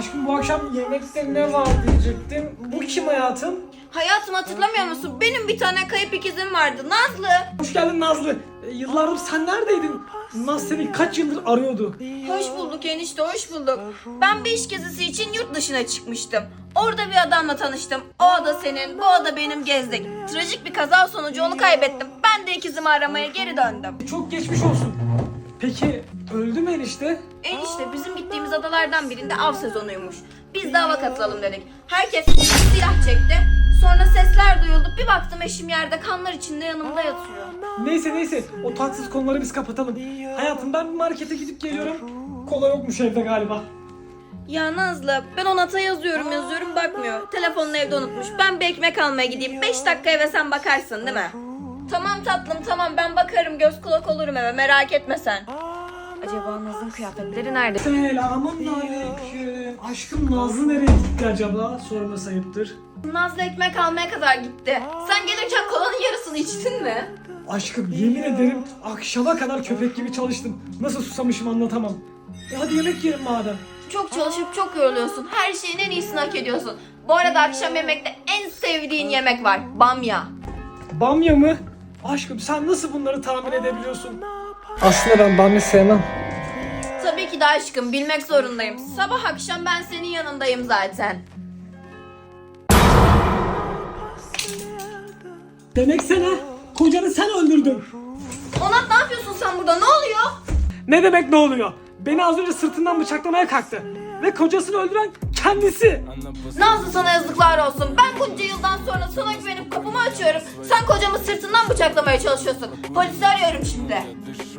Aşkım bu akşam yemekte ne var diyecektim. Bu kim hayatım? Hayatım hatırlamıyor musun? Benim bir tane kayıp ikizim vardı. Nazlı. Hoş geldin Nazlı. Yıllardır sen neredeydin? Naz seni kaç yıldır arıyordu. Hoş bulduk enişte, hoş bulduk. Ben bir iş gezisi için yurt dışına çıkmıştım. Orada bir adamla tanıştım. O ada senin, bu ada benim, gezdik. Trajik bir kaza sonucu onu kaybettim. Ben de ikizimi aramaya geri döndüm. Çok geçmiş olsun. Peki öldü mü enişte? Enişte bizim gittiğimiz adalardan birinde av sezonuymuş. Biz de ava katılalım dedik. Herkes silah çekti. Sonra sesler duyuldu. Bir baktım eşim yerde kanlar içinde yanımda yatıyor. Neyse o tatsız konuları biz kapatalım. Hayatım ben bir markete gidip geliyorum. Kola yokmuş evde galiba. Ya Nazlı, ben ona ata yazıyorum bakmıyor. Telefonunu evde unutmuş. Ben bir ekmek almaya gideyim. 5 dakika eve sen bakarsın değil mi? Tamam tatlım tamam, ben bakarım, göz kulak olurum eve, merak etme sen. Acaba Nazlı'nın kıyafetleri nerede? Selamünaleyküm. Aşkım Nazlı nereye gitti acaba? Sorması ayıptır. Nazlı ekmek almaya kadar gitti. Sen gelirken kolanın yarısını içtin mi? Aşkım yemin ederim akşama kadar köpek gibi çalıştım. Nasıl susamışım anlatamam. Hadi yemek yiyelim madem. Çok çalışıp çok yoruluyorsun. Her şeyin en iyisini hak ediyorsun. Bu arada akşam yemekte en sevdiğin yemek var. Bamya. Bamya mı? Aşkım sen nasıl bunları tahmin edebiliyorsun? Aslında ben bamya sevmem. Tabii ki de aşkım, bilmek zorundayım. Sabah akşam ben senin yanındayım zaten. Demek sen ha? Kocanı sen öldürdün. Onat ne yapıyorsun sen burada? Ne oluyor? Ne demek ne oluyor? Beni az önce sırtından bıçaklamaya kalktı. Ve kocasını öldüren kendisi. Nazlı sana yazıklar olsun. Ben bunca yıldan sonra sana güvenip kapımı açıyorum. Sen kocamı sırtından bıçaklamaya çalışıyorsun. Polisi arıyorum şimdi.